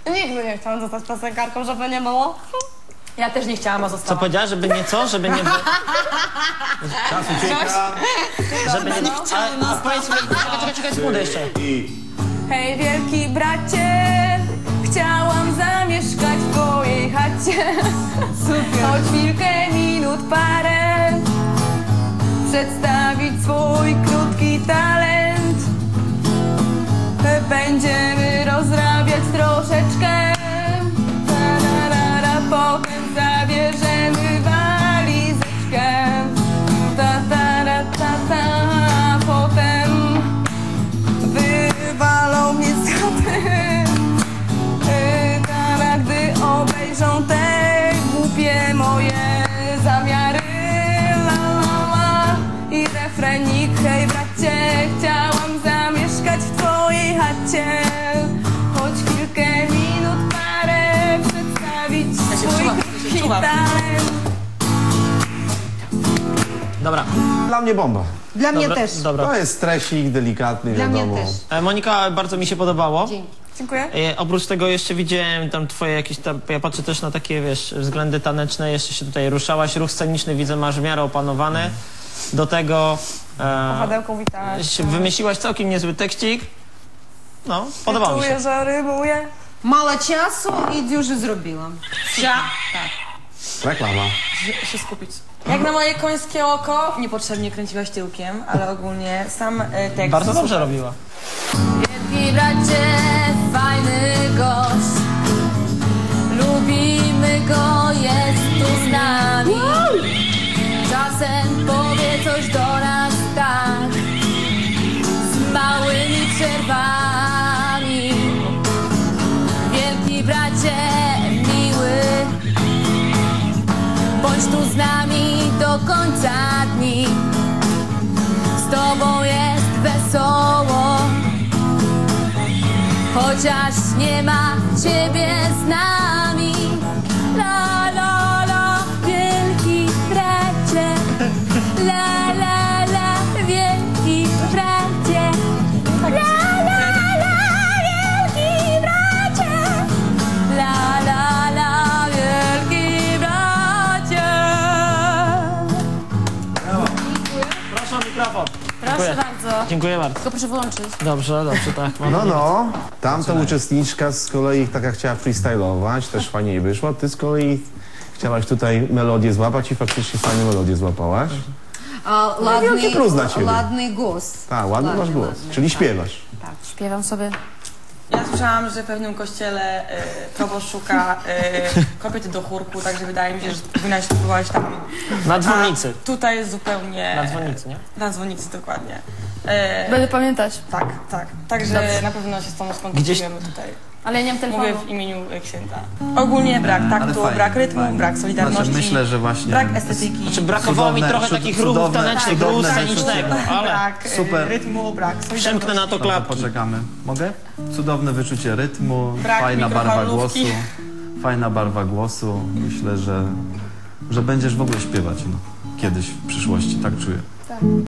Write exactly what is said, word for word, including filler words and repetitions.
Nigdy nie chciałam zostać piosenkarką, żeby nie było. Ja też nie chciałam, a zostałam. Co powiedziała, żeby nie co? Żeby nie... Czas ucieka. Żeby nie... A, a powiedz mi... Czekaj, czekaj, czekaj, sekundę jeszcze. Hej, wielki bracie, chciałam zamieszkać w twojej chacie. Choć chwilkę, minut, parę, przedstawić swój krótki talent. Będziemy rozrabiać troszeczkę, ta-ra-ra-ra, potem zabierzemy walizeczkę. Ta-ta-ra-ta-ta, potem wywalą mnie z chaty. Tara, gdy obejrzą te głupie moje zamiary. La, la, la. I refrenik, hej bracie, chciałam zamieszkać w twojej chacie. Choć chwilkę, minut, parę, przedstawić Ja się swój wczuwam, krótki się wczuwam. talent. Dobra. Dla mnie bomba. Dla mnie Dobra, też. dobra. To jest stresik, delikatny, Dla mnie wiadomo. też. E, Monika, bardzo mi się podobało. Dzięki. Dziękuję. E, oprócz tego jeszcze widziałem tam twoje jakieś tam, ja patrzę też na takie, wiesz, względy taneczne, jeszcze się tutaj ruszałaś, ruch sceniczny widzę, masz w miarę opanowany. Do tego e, Powadełką witałaś. się wymyśliłaś całkiem niezły tekścik. No, podobało mi się. Czuję, że rymuję. Mało czasu i już zrobiłam. Ja Reklama. się, się skupić. Jak na moje końskie oko, niepotrzebnie kręciłaś tyłkiem, ale ogólnie sam e, tekst... Bardzo dobrze robiła. Wielki bracie, fajny gość, lubimy go, jest tu z nami. Czasem powie coś do nas tak, z małymi przerwami. Wielki bracie, miły, bądź tu z nami do końca dni. Z tobą jest wesoło, chociaż nie ma ciebie z nami. La, la, la, wielki bracie. La, la, la, wielki bracie. La, la, la, wielki bracie. La, la, la, wielki bracie. Proszę o mikrofon. Proszę Dziękuję. bardzo. Dziękuję bardzo. Tylko proszę wyłączyć. Dobrze, dobrze, tak. Mam No, no. Tamta uczestniczka z kolei taka chciała freestylować, też fajnie jej wyszło. Ty z kolei chciałaś tutaj melodię złapać i faktycznie fajną melodię złapałaś. A, wielki ładny, plus dla ciebie. ładny głos. Tak, ładny masz głos. ładny, Czyli tak. śpiewasz. Śpiewam sobie. Ja słyszałam, że w pewnym kościele e, proboszcz szuka e, kobiety do chórku, także wydaje mi się, że powinnaś spróbować tam. Na dzwonnicy. A tutaj jest zupełnie... Na dzwonnicy, nie? Na dzwonnicy, dokładnie. E, Będę pamiętać. tak, tak. Także Dobrze. na pewno się z tobą skontaktujemy tutaj. Ale ja nie mam telefonu. Mówię w imieniu e, księdza. Ogólnie brak taktu, fajnie, brak rytmu, fajnie. brak solidarności, Znaczy, myślę, że właśnie brak estetyki, Znaczy brakowało mi Cudowne, trochę cud- takich ruchów cudowne, tanecznych, ruchu cudowne scenicznego, ale brak e, Super. rytmu, brak solidarności. przemknę na to No to klapki. poczekamy. Mogę? Cudowne wyczucie rytmu, Brak fajna barwa głosu. mikrofalówki. Fajna barwa głosu. Myślę, że, że będziesz w ogóle śpiewać no, kiedyś w przyszłości, tak czuję.